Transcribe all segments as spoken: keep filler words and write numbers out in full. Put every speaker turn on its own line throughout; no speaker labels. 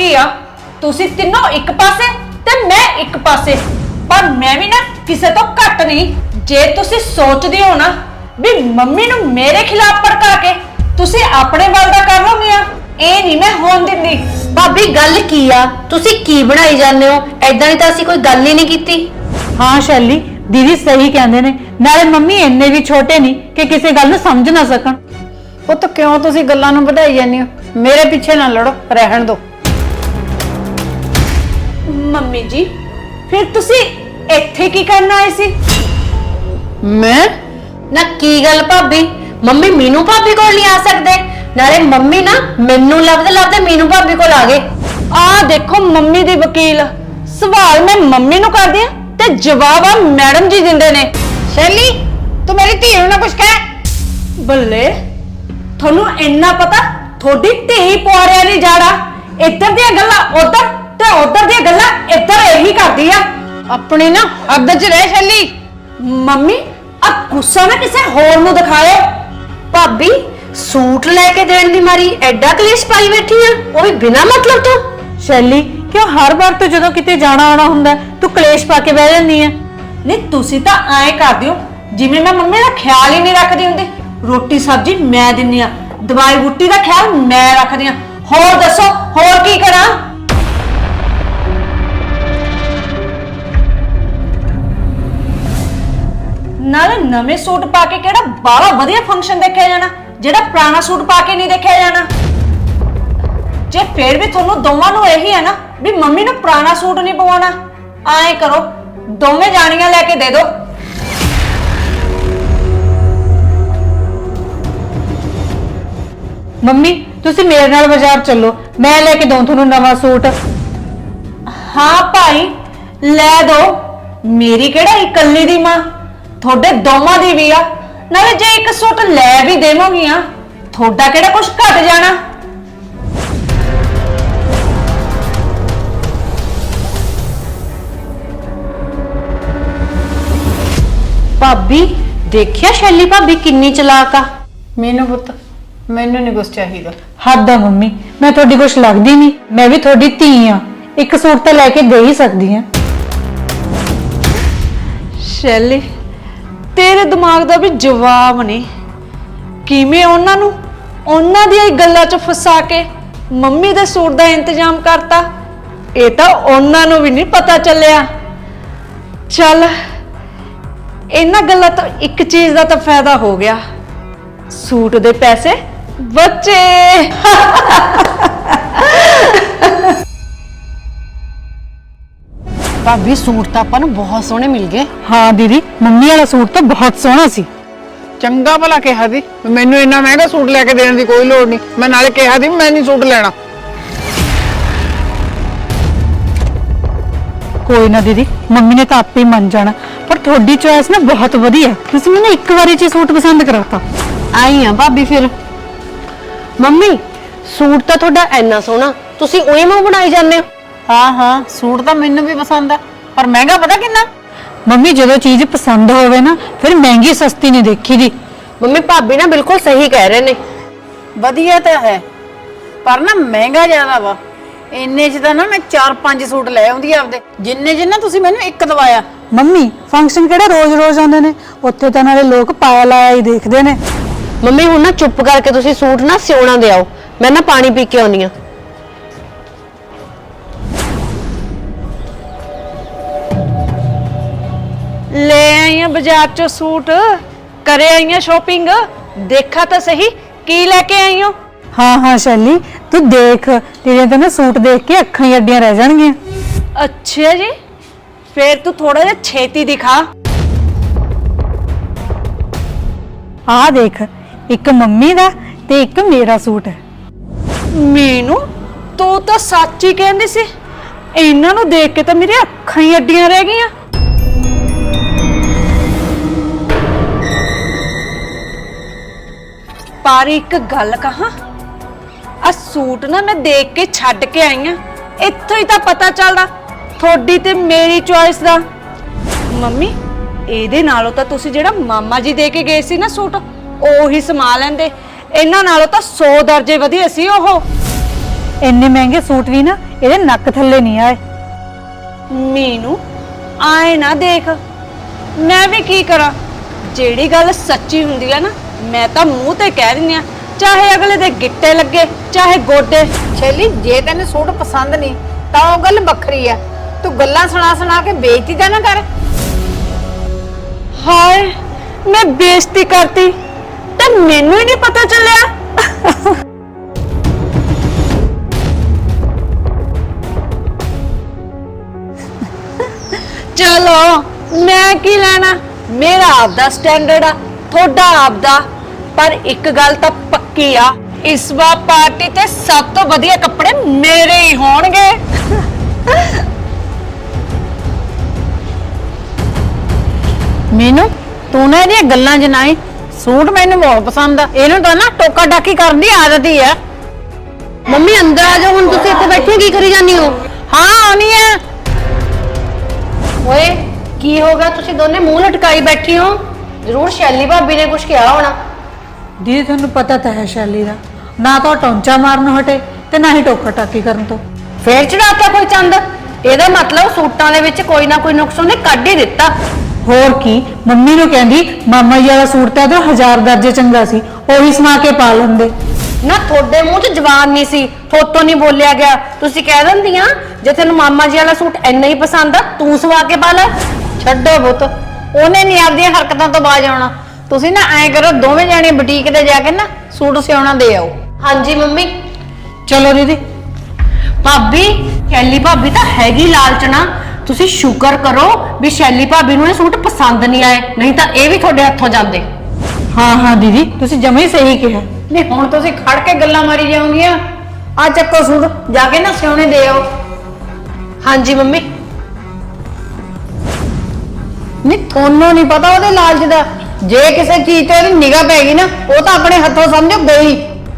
ही आ तुसी तीनों एक पासे ते मैं एक पासे पर मैं भी ना किसे तो घट नहीं जे तुसी सोचदी हो ना भी मम्मी नू मेरे खिलाफ भड़का के तुसी अपने वल दा कर लोगे ए नहीं मैं होन दिंदी।
भाभी गल की आ तुसी की बनाई जाने हो ऐदां दी तां असीं कोई गल ही नहीं कीती।
हाँ शैली दीदी सही कहंदे ने नाले मम्मी इन्ने भी छोटे नहीं कि किसी गल नूं समझ ना सकण।
ਉਹ ਤਾਂ ਕਿਉਂ ਤੁਸੀਂ ਗੱਲਾਂ ਨੂੰ ਵਧਾਈ ਜਾਂਦੇ ਹੋ ਮੇਰੇ ਪਿੱਛੇ ਨਾ ਲੜੋ ਰਹਿਣ ਦਿਓ।
मम्मी जी फिर तुसी इत्थे की करना आए सी?
मैं
ना की गल भाभी मम्मी मीनू भाभी कोल नहीं आ सकदे नाले मम्मी ना मैनू लभदे लभदे मीनू भाभी कोल आ गए।
आ देखो मम्मी दी वकील सवाल मैं मम्मी नू कर दिया ते जवाब आ मैडम जी दिंदे ने।
शैली तू मेरी धी नूं ना कुछ कह।
बल्ले थोनू इन्ना पता थोड़ी धी पुआरिया दी जाड़ा इधर दी गल्लां उधर ते उधर दी गल्लां इधर यही करदी आ।
अपनी ना हद च रह शैली।
मम्मी अब गुस्सा ना किसे होर नू दिखाए।
भाभी सूट लेके देण दी मारी एडा कलेश पाई बैठी है वो भी बिना मतलब तो।
शैली क्यों हर बार तो जदों किते जाना आना हुंदा तू कलेश पा के बह जांदी है।
नहीं तुसी तां ऐ करदे हो जिवें मैं मम्मी दा ख्याल ही नहीं रखदी हुंदी। रोटी सब्जी मैं दिन्नी आ दवाई बूटी दा ख्याल मैं रखदी आ। होर दसो होर की करा? नाले नवे सूट पा के केड़ा बाला वधिया फंक्शन देखिया जाना जेड़ा पुराना सूट पा के नहीं देखिया जाना। जे फिर भी थोनू दोवां नू यही है ना भी मम्मी नू पुराना सूट नहीं पवाना आए करो दोवें जानियां लेके दे दो।
मम्मी तुसी मेरे नाल बाजार चलो मैं लेके दूं थोनू नवा सूट।
हाँ भाई ले दो मेरी केड़ा इकल्ली दी मां थोड़े दोवां दी भी आ नाले जे एक सूट ले भी देवोगियां थोड़ा केड़ा कुछ घट जाना।
भाभी देखिया शैली भाभी किन्नी चलाक आ।
मीनू पुੱਤ ਮੈਨੂੰ ਨਹੀਂ ਕੁਛ ਚਾਹੀਦਾ।
हद है मम्मी मैं थोड़ी कुछ लगदी नहीं मैं भी थोड़ी धी हाँ एक सूट तो लैके दे ही सकदी हाँ।
शैली तेरे दिमाग दा भी जवाब नहीं किवें उन्हां नूं उन्हां दी गल्लां च फसा के मम्मी दे सूट दा इंतजाम करता ये तो उन्हां नूं भी नहीं पता चलिया। चल इन्हां गल्लां तो एक चीज दा तो फायदा हो गया सूट दे पैसे बचे।
ਭਾਬੀ ਸੂਟ ਤਾਂ ਆਪਾਂ ਨੂੰ ਬਹੁਤ ਸੋਹਣੇ ਮਿਲ ਗਏ।
हाँ दीदी मम्मी वाला सूट तो बहुत सोहना सी।
ਚੰਗਾ ਭਲਾ ਕਿਹਾ ਸੀ ਮੈਨੂੰ ਇੰਨਾ ਮਹਿੰਗਾ ਸੂਟ ਲੈ ਕੇ ਦੇਣ ਦੀ ਕੋਈ ਲੋੜ ਨਹੀਂ। ਮੈਂ ਨਾਲੇ ਕਿਹਾ ਸੀ ਮੈਂ ਨਹੀਂ ਸੂਟ ਲੈਣਾ।
कोई ना दीदी मम्मी ने तो आपे ही मन जाना पर थोड़ी चॉइस ना बहुत वधिया तुसी मैंने एक बारी च सूट पसंद कराता।
आई हाँ भाभी फिर मम्मी सूट तो थोड़ा इन्ना सोहना तुसी उही मूंह बनाई जाने हो।
ਹਾਂ ਹਾਂ ਸੂਟ ਤਾਂ ਮੈਨੂੰ ਵੀ ਪਸੰਦ ਆ ਪਰ ਮਹਿੰਗਾ ਪਤਾ ਕਿੰਨਾ।
मम्मी जो चीज पसंद होवे ना फिर महंगी सस्ती नहीं देखी दी।
मम्मी भाभी ना बिल्कुल सही कह रहे ने।
ਵਧੀਆ ਤਾਂ ਹੈ ਪਰ ਨਾ ਮਹਿੰਗਾ ਜ਼ਿਆਦਾ ਵਾ। ਇੰਨੇ ਚ ਤਾਂ ਨਾ ਮੈਂ ਚਾਰ ਪੰਜ ਸੂਟ ਲੈ ਆਉਂਦੀ ਆਪਦੇ ਜਿੰਨੇ ਜਿੰਨਾ ਤੁਸੀਂ ਮੈਨੂੰ ਇੱਕ ਦਵਾਇਆ।
मम्मी फंक्शन केड़ा रोज रोज आंदे ने उत्थे तां नाले लोग पाया लाया ही देखदे ने।
मम्मी हुण ना चुप करके तुसी सूट ना सिउणा दे आओ मैं ना पानी पी के आउणी आ।
ले आई हैं बाजार चो सूट करे आई हैं शॉपिंग देखा तो सही की लेके आई हो।
हाँ हाँ शैली तू देख तेरे तो ना सूट देख के अखां ही अड्डियां रह जाणगियां।
अच्छा जी फिर तू थोड़ा जिहा छेती दिखा।
आ देख एक मम्मी दा ते एक मेरा सूट है।
मीनू तू तो सच ही कहंदी सी इन्हां नूं देख के तो मेरी अखां ही अड्डियां रह गईयां। पर एक गल कहां आ सूट ना मैं देख के छड्ड के आई हां इत्थों ही तो पता चलदा थोड़ी ते मेरी चॉइस दा। मम्मी ਇਹਦੇ ਨਾਲੋਂ ਤਾਂ ਤੁਸੀਂ ਜਿਹੜਾ ਮਾਮਾ ਜੀ ਦੇ ਕੇ ਗਏ ਸੀ ਨਾ ਸੂਟ ਉਹੀ ਸਮਾ ਲੈਂਦੇ ਇਹਨਾਂ ਨਾਲੋਂ ਤਾਂ सौ ਦਰਜੇ ਵਧੀਆ ਸੀ ਉਹ।
ਇੰਨੇ ਮਹਿੰਗੇ ਸੂਟ ਵੀ ਨਾ ਇਹਦੇ ਨੱਕ ਥੱਲੇ ਨਹੀਂ ਆਏ।
ਮੀਨੂ ਆਏ ਨਾ ਦੇਖ, ਮੈਂ ਵੀ ਕੀ ਕਰਾਂ, ਜਿਹੜੀ ਗੱਲ ਸੱਚੀ ਹੁੰਦੀ ਆ ਨਾ ਮੈਂ ਤਾਂ ਮੂੰਹ ਤੇ ਕਹਿ ਦਿੰਦੀ ਆ, ਚਾਹੇ ਅਗਲੇ ਦੇ ਗਿੱਟੇ ਲੱਗੇ ਚਾਹੇ ਗੋਡੇ।
ਸ਼ੈਲੀ, ਜੇ ਤੈਨੂੰ ਸੂਟ ਪਸੰਦ ਨਹੀਂ ਤਾਂ ਉਹ ਗੱਲ ਵੱਖਰੀ ਆ, ਤੂੰ ਗੱਲਾਂ ਸੁਣਾ ਸੁਣਾ ਕੇ ਬੇਇੱਜ਼ਤੀ ਤਾਂ ਨਾ ਕਰ।
ਹਾਏ, ਮੈਂ ਬੇਇੱਜ਼ਤੀ ਕਰਤੀ ਤੇ ਮੈਨੂੰ ਹੀ ਨਹੀਂ ਪਤਾ ਚੱਲਿਆ। ਚਲੋ ਮੈਂ ਕੀ ਲੈਣਾ, ਮੇਰਾ ਆਪਦਾ ਸਟੈਂਡਰਡ ਆ, ਤੁਹਾਡਾ ਆਪਦਾ, ਪਰ ਇੱਕ ਗੱਲ ਤਾਂ ਪੱਕੀ ਆ, ਇਸ ਵਾਰ ਪਾਰਟੀ ਤੇ ਸਭ ਤੋਂ ਵਧੀਆ ਕੱਪੜੇ ਮੇਰੇ ਹੀ ਹੋਣਗੇ।
ਮੈਨੂੰ ਤੂੰ ਨਾ ਇਹਦੀਆਂ ਗੱਲਾਂ 'ਚ ਨਾ ਆਈ, ਸੂਟ ਮੈਨੂੰ ਬਹੁਤ ਪਸੰਦ ਆ, ਇਹਨੂੰ ਤਾਂ ਨਾ ਟੋਕਾ ਟਾਕੀ ਕਰਨ ਦੀ ਆਦਤ ਹੀ ਆ।
ਮੰਮੀ ਅੰਦਰ ਆ ਜਾਓ, ਹੁਣ ਤੁਸੀਂ ਇੱਥੇ ਬੈਠੇ ਕੀ ਕਰੀ ਜਾਂਦੀ ਹੋ?
ਹਾਂ ਆਉਣੀ ਆ।
ਓਏ ਕੀ ਹੋ ਗਿਆ, ਤੁਸੀਂ ਦੋਨੇ ਮੂੰਹ ਲਟਕਾਈ ਬੈਠੀ ਹੋ? ਜ਼ਰੂਰ ਸ਼ੈਲੀ ਭਾਬੀ ਨੇ ਕੁਝ ਕਿਹਾ ਹੋਣਾ।
ਦੀਦੀ ਤੁਹਾਨੂੰ ਪਤਾ ਤਾਂ ਹੈ ਸ਼ੈਲੀ ਦਾ, ਨਾ ਤਾਂ ਉਹ ਟੌਂਚਾ ਮਾਰਨ ਹਟੇ ਤੇ ਨਾ ਹੀ ਟੋਕਾ ਟਾਕੀ ਕਰਨ ਤੋਂ।
ਫੇਰ ਚੜਾਤਾ ਕੋਈ ਚੰਦ, ਇਹਦਾ ਮਤਲਬ ਸੂਟਾਂ ਦੇ ਵਿੱਚ ਕੋਈ ਨਾ ਕੋਈ ਨੁਕਸ ਉਹਨੇ ਕੱਢ ਹੀ ਦਿੱਤਾ।
ਹੋਰ ਕੀ, ਮੰਮੀ ਨੂੰ ਕਹਿੰਦੀ ਮਾਮਾ ਜੀ ਵਾਲਾ ਸੂਟ ਤਾਂ ਇਹਦਾ ਹਜ਼ਾਰ ਦਰਜੇ ਚੰਗਾ ਸੀ, ਉਹੀ ਸਮਾ ਕੇ ਪਾ ਲੈਂਦੇ।
ਨਾ ਤੁਹਾਡੇ ਮੂੰਹ 'ਚ ਜ਼ਬਾਨ ਨਹੀਂ ਸੀ, ਥੋਤੋਂ ਨਹੀਂ ਬੋਲਿਆ ਗਿਆ, ਤੁਸੀਂ ਕਹਿ ਦਿੰਦੀਆਂ ਜੇ ਤੈਨੂੰ ਮਾਮਾ ਜੀ ਵਾਲਾ ਸੂਟ ਇੰਨਾ ਹੀ ਪਸੰਦ ਆ ਤੂੰ ਸਵਾ ਕੇ ਪਾ ਲੈ।
ਛੱਡੋ ਪੁੱਤ, ਉਹਨੇ ਨਹੀਂ ਆਪਦੀਆਂ ਹਰਕਤਾਂ ਤੋਂ ਬਾਜ ਆਉਣਾ। ਤੁਸੀਂ ਨਾ ਐਂ ਕਰੋ, ਦੋਵੇਂ ਜਾਣੇ ਬੁਟੀਕ ਤੇ ਜਾ ਕੇ ਨਾ ਸੂਟ ਸਿਉਣਾ ਦੇ ਆਓ।
ਹਾਂਜੀ ਮੰਮੀ।
ਚਲੋ ਦੀਦੀ।
ਭਾਬੀ, ਸ਼ੈਲੀ ਭਾਬੀ ਤਾਂ ਹੈਗੀ ਲਾਲਚਣਾ, ਤੁਸੀਂ ਸ਼ੁਕਰ ਕਰੋ ਵੀ ਸ਼ੈਲੀ ਭਾਬੀ ਨੂੰ ਇਹ ਸੂਟ ਪਸੰਦ ਨਹੀਂ ਆਏ, ਨਹੀਂ ਤਾਂ ਇਹ ਵੀ ਤੁਹਾਡੇ ਹੱਥੋਂ ਜਾਂਦੇ।
ਹਾਂ ਹਾਂ ਦੀਦੀ, ਤੁਸੀਂ ਜਮੇ ਹੀ ਸਹੀ ਕਿਹਾ।
ਨਹੀਂ ਹੁਣ ਤੁਸੀਂ ਖੜ ਕੇ ਗੱਲਾਂ ਮਾਰੀ ਜਾਓਗੀਆਂ। ਆ ਚੱਕੋ ਸੂਟ, ਜਾ ਕੇ ਨਾ ਸਿਉਣੇ ਦੇ ਆਓ।
ਹਾਂਜੀ ਮੰਮੀ।
ਨਹੀਂ ਤੁਹਾਨੂੰ ਨਹੀਂ ਪਤਾ ਉਹਦੇ ਲਾਲਚ ਦਾ, ਜੇ ਕਿਸੇ ਚੀਜ਼ ਤੇ ਉਹਦੀ ਨਿਗਾਹ ਪੈ ਗਈ ਨਾ ਉਹ ਤਾਂ ਆਪਣੇ ਹੱਥੋਂ ਸਮਝੋ ਗਈ।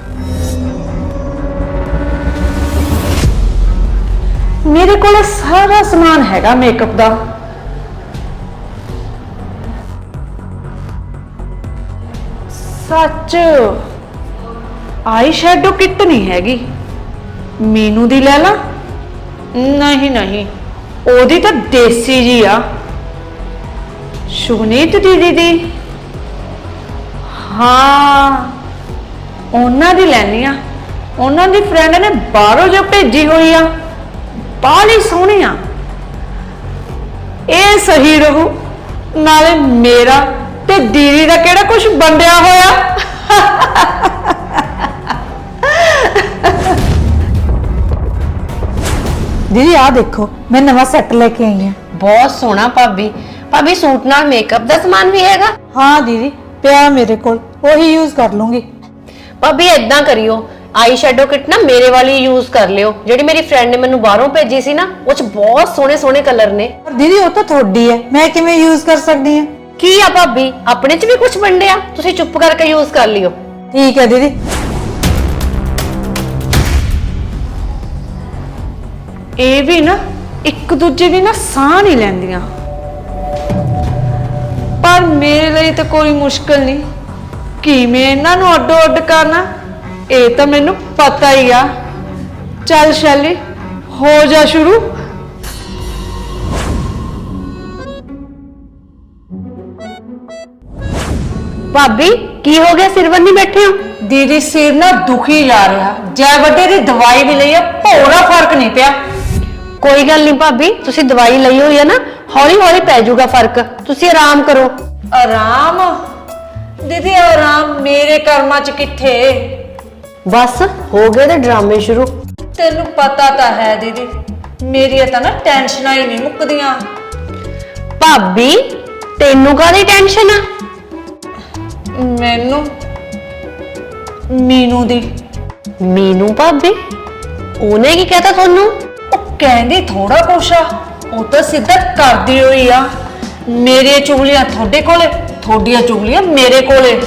ਮੇਰੇ ਕੋਲ ਸਾਰਾ ਸਮਾਨ ਹੈਗਾ ਮੇਕਅਪ ਦਾ, ਸੱਚ ਆਈ ਸ਼ੈਡੋ ਕਿੱਟ ਨਹੀਂ ਹੈਗੀ। ਮੀਨੂ ਦੀ ਲੈ ਲਾ? ਨਹੀਂ ਨਹੀਂ, ਉਹਦੀ ਤਾਂ ਦੇਸੀ ਜੀ ਆ। ਸ਼ੁਗਨੀਤ ਦੀਦੀ ਦੀ? ਹਾਂ ਉਹਨਾਂ ਦੀ ਲੈਣੀ ਆ, ਉਹਨਾਂ ਦੀ ਫਰੈਂਡ ਨੇ ਬਾਹਰੋਂ ਜੋ ਭੇਜੀ ਹੋਈ ਆ, ਬਾਹਲੀ ਸੋਹਣੀ ਆ। ਇਹ ਸਹੀ ਰਹੂ, ਨਾਲੇ ਮੇਰਾ ਤੇ ਦੀਦੀ ਦਾ ਕਿਹੜਾ ਕੁਝ ਵੰਡਿਆ ਹੋਇਆ।
ਦੀਦੀ ਆਹ ਦੇਖੋ, ਮੈਂ ਨਵਾਂ ਸੈੱਟ ਲੈ ਕੇ ਆਈ ਹਾਂ।
ਬਹੁਤ ਸੋਹਣਾ ਭਾਬੀ। ਭਾਬੀ ਸੂਟ ਨਾਲ ਮੇਕਅਪ ਦਾ ਸਮਾਨ ਵੀ ਹੈਗਾ?
ਹਾਂ ਦੀਦੀ, ਪਿਆ ਮੇਰੇ ਕੋਲ, ਉਹੀ ਯੂਜ਼ ਕਰ ਲੂੰਗੀ।
ਭਾਬੀ ਏਦਾਂ ਕਰਿਓ, ਆਈ ਸ਼ੈਡੋ ਕਿਟ ਨਾ ਮੇਰੇ ਵਾਲੀ ਯੂਜ਼ ਕਰ ਲਿਓ, ਜਿਹੜੀ ਮੇਰੀ ਫਰੈਂਡ ਨੇ ਮੈਨੂੰ ਬਾਹਰੋਂ ਭੇਜੀ ਸੀ ਨਾ, ਉਹ ਚ ਬਹੁਤ ਸੋਹਣੇ ਸੋਹਣੇ ਕਲਰ ਨੇ।
ਪਰ ਦੀਦੀ ਉਹ ਤਾਂ ਤੁਹਾਡੀ ਹੈ, ਮੈਂ ਕਿਵੇਂ ਯੂਜ਼ ਕਰ ਸਕਦੀ ਹਾਂ?
ਕੀ ਆ ਭਾਬੀ, ਆਪਣੇ ਚ ਵੀ ਕੁਝ ਵੰਡਿਆ, ਤੁਸੀਂ ਚੁੱਪ ਕਰਕੇ ਯੂਜ਼ ਕਰ ਲਿਓ।
ਠੀਕ ਹੈ ਦੀਦੀ।
ਇਹ ਵੀ ਨਾ ਇੱਕ ਦੂਜੇ ਦੀ ਨਾ ਸਾਹ ਨਹੀਂ ਲੈਂਦੀਆਂ, ਪਰ ਮੇਰੇ ਲਈ ਤਾਂ ਕੋਈ ਮੁਸ਼ਕਲ ਨਹੀਂ। ਕਿਵੇਂ ਇਹਨਾਂ ਨੂੰ ਅੱਡੋ ਅੱਡ ਕਰਨਾ ਇਹ ਤਾਂ ਮੈਨੂੰ ਪਤਾ ਹੀ ਆ। ਚੱਲ ਸ਼ੈਲੀ, ਹੋ ਜਾ ਸ਼ੁਰੂ।
ਭਾਬੀ ਕੀ ਹੋ ਗਿਆ, ਸਿਰ ਬੰਨੀ ਬੈਠੇ ਹੋ?
ਦੀਦੀ ਸਿਰ ਨਾ ਦੁਖੀ ਜਾ ਰਿਹਾ, ਜੈ ਵੱਡੇ ਦੀ ਦਵਾਈ ਵੀ ਲਈ ਆ, ਭੋਰਾ ਫਰਕ ਨਹੀਂ ਪਿਆ।
ਕੋਈ ਗੱਲ ਨਹੀਂ ਭਾਬੀ, ਤੁਸੀਂ ਦਵਾਈ ਲਈ ਹੋਈ ਹੈ ਨਾ, ਹੌਲੀ ਹੌਲੀ ਪੈ ਜਾਊਗਾ ਫਰਕ, ਤੁਸੀਂ ਆਰਾਮ ਕਰੋ।
ਆਰਾਮ? ਦੀਦੀ ਆਰਾਮ ਮੇਰੇ ਕਰਮਾਂ ਚ ਕਿੱਥੇ।
ਬਸ ਹੋ ਗਏ ਤੇ ਡਰਾਮੇ ਸ਼ੁਰੂ।
ਤੈਨੂੰ ਪਤਾ ਤਾਂ ਹੈ ਦੀਦੀ, ਮੇਰੀਆਂ ਤਾਂ ਨਾ ਟੈਨਸ਼ਨਾਂ ਹੀ ਨਹੀਂ ਮੁੱਕਦੀਆਂ।
ਭਾਬੀ ਤੈਨੂੰ ਕਾਹਦੀ ਟੈਨਸ਼ਨ ਆ?
ਮੈਨੂੰ ਮੀਨੂ ਦੀ।
ਮੀਨੂ ਭਾਬੀ? ਉਹਨੇ ਕੀ ਕਹਿਤਾ ਤੁਹਾਨੂੰ?
ਉਹ ਕਹਿੰਦੀ ਥੋੜਾ ਕੁਛ ਆ, ਉਹ ਤਾਂ ਸਿੱਧਾ ਕਰਦੀ ਹੋਈ ਆ। ਮੇਰੀਆਂ ਚੁਗਲੀਆਂ ਤੁਹਾਡੇ ਕੋਲੇ, ਤੁਹਾਡੀਆਂ ਚੁਗਲੀਆਂ ਮੇਰੇ ਕੋਲੇ।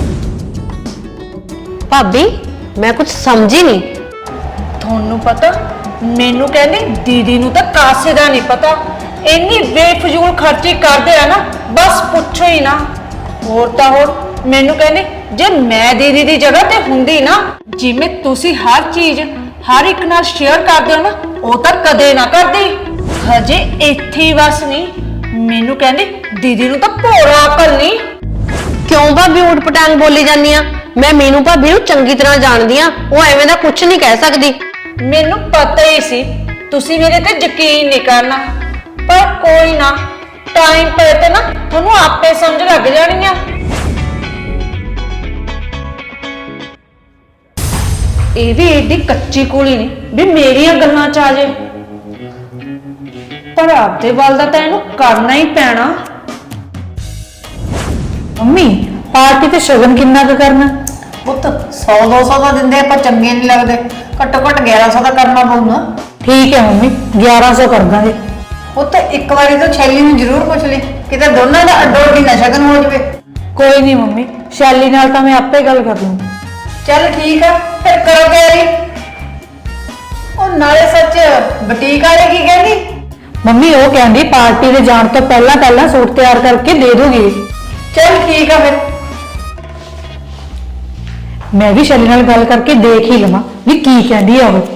ਭਾਬੀ ਮੈਂ ਕੁਝ ਸਮਝੀ ਨਹੀਂ।
ਤੁਹਾਨੂੰ ਪਤਾ, ਮੈਨੂੰ ਕਹਿੰਦੀ ਦੀਦੀ ਨੂੰ ਤਾਂ ਕਾਸੇ ਦਾ ਨਹੀਂ ਪਤਾ, ਇੰਨੀ ਬੇਫਜ਼ੂਲ ਖਰਚੀ ਕਰਦੇ ਆ ਨਾ, ਬਸ ਪੁੱਛੋ ਹੀ ਨਾ। ਹੋਰ ਤਾਂ ਹੋਰ ਮੈਨੂੰ ਕਹਿੰਦੀ ਜੇ ਮੈਂ ਦੀਦੀ ਦੀ ਜਗ੍ਹਾ ਤੇ ਹੁੰਦੀ ਨਾ, ਜਿਵੇਂ ਤੁਸੀਂ ਹਰ ਚੀਜ਼ ਹਰ ਇੱਕ ਨਾਲ ਸ਼ੇਅਰ ਕਰਦੇ ਹੋ ਨਾ, ਉਹ ਤਾਂ ਕਦੇ ਨਾ ਕਰਦੀ। ਹਜੇ ਇੱਥੇ ਹੀ ਬਸ ਨਹੀਂ, ਮੈਨੂੰ ਕਹਿੰਦੀ ਦੀਦੀ ਨੂੰ ਤਾਂ ਭੋਰਾ ਅਕਲ ਨਹੀਂ।
ਕਿਉਂ ਭਾਬੀ ਊਟ ਪਟਾਂਗ ਬੋਲੀ ਜਾਂਦੀ ਆ? ਮੈਂ ਮੀਨੂ ਭਾਬੀ ਨੂੰ ਚੰਗੀ ਤਰ੍ਹਾਂ ਜਾਣਦੀ ਆ, ਉਹ ਐਵੇਂ ਦਾ ਕੁਝ ਨਹੀਂ ਕਹਿ ਸਕਦੀ।
ਮੈਨੂੰ ਪਤਾ ਹੀ ਸੀ ਤੁਸੀਂ ਮੇਰੇ ਤੇ ਯਕੀਨ ਨਹੀਂ ਕਰਨਾ, ਪਰ ਕੋਈ ਨਾ, ਟਾਈਮ ਪਏ ਤੇ ਨਾ ਤੁਹਾਨੂੰ ਆਪੇ ਸਮਝ ਲੱਗ ਜਾਣੀ ਆ। ਇਹ ਵੀ ਏਡੀ ਕੱਚੀ ਕੁੜੀ ਨਹੀਂ ਵੀ ਮੇਰੀਆਂ ਗੱਲਾਂ ਚ ਆ ਜੇ, ਪਰ ਆਪਦੇ ਵੱਲ ਦਾ ਤਾਂ ਇਹਨੂੰ ਕਰਨਾ ਹੀ ਪੈਣਾ।
ਮੰਮੀ ਪਾਰਟੀ ਤੇ ਸ਼ਗਨ ਕਿੰਨਾ ਕੁ ਕਰਨਾ?
ਪੁੱਤ ਸੌ ਦੋ ਸੌ ਦਾ ਦਿੰਦੇ ਆਪਾਂ ਚੰਗੇ ਨਹੀਂ ਲੱਗਦੇ, ਘੱਟੋ ਘੱਟ ਗਿਆਰਾਂ ਸੌ ਦਾ ਕਰਨਾ ਪਊਗਾ।
ਠੀਕ ਹੈ ਮੰਮੀ, ਗਿਆਰਾਂ ਸੌ ਕਰ ਦਾਂਗੇ।
ਪੁੱਤ ਇੱਕ ਵਾਰੀ ਤਾਂ ਛੈਲੀ ਨੂੰ ਜ਼ਰੂਰ ਪੁੱਛ ਲਈ, ਕਿਤੇ ਦੋਨਾਂ ਦਾ ਅੱਡੋ ਅੱਡੀ ਨਾ ਸ਼ਗਨ ਹੋ ਜਵੇ।
ਕੋਈ ਨਹੀਂ ਮੰਮੀ, ਸ਼ੈਲੀ ਨਾਲ ਤਾਂ ਮੈਂ ਆਪੇ ਗੱਲ ਕਰ ਲੂੰ।
ਚੱਲ ਠੀਕ ਆ, ਫਿਰ ਕਰੋ ਤਿਆਰੀ। ਉਹ ਨਾਲੇ ਸੱਚ ਬੁਟੀਕ ਵਾਲੇ ਕੀ ਕਹਿੰਦੀ?
ਮੰਮੀ ਉਹ ਕਹਿੰਦੀ ਪਾਰਟੀ ਦੇ ਜਾਣ ਤੋਂ ਪਹਿਲਾਂ ਪਹਿਲਾਂ ਸੂਟ ਤਿਆਰ ਕਰਕੇ ਦੇ ਦੋਗੇ।
ਚੱਲ ਠੀਕ ਆ ਫਿਰ।
ਮੈਂ ਵੀ ਸ਼ੈਲੀ ਨਾਲ ਗੱਲ ਕਰਕੇ ਦੇਖ ਹੀ ਲਵਾਂ ਵੀ ਕੀ ਕਹਿੰਦੀ ਆ ਉਹ।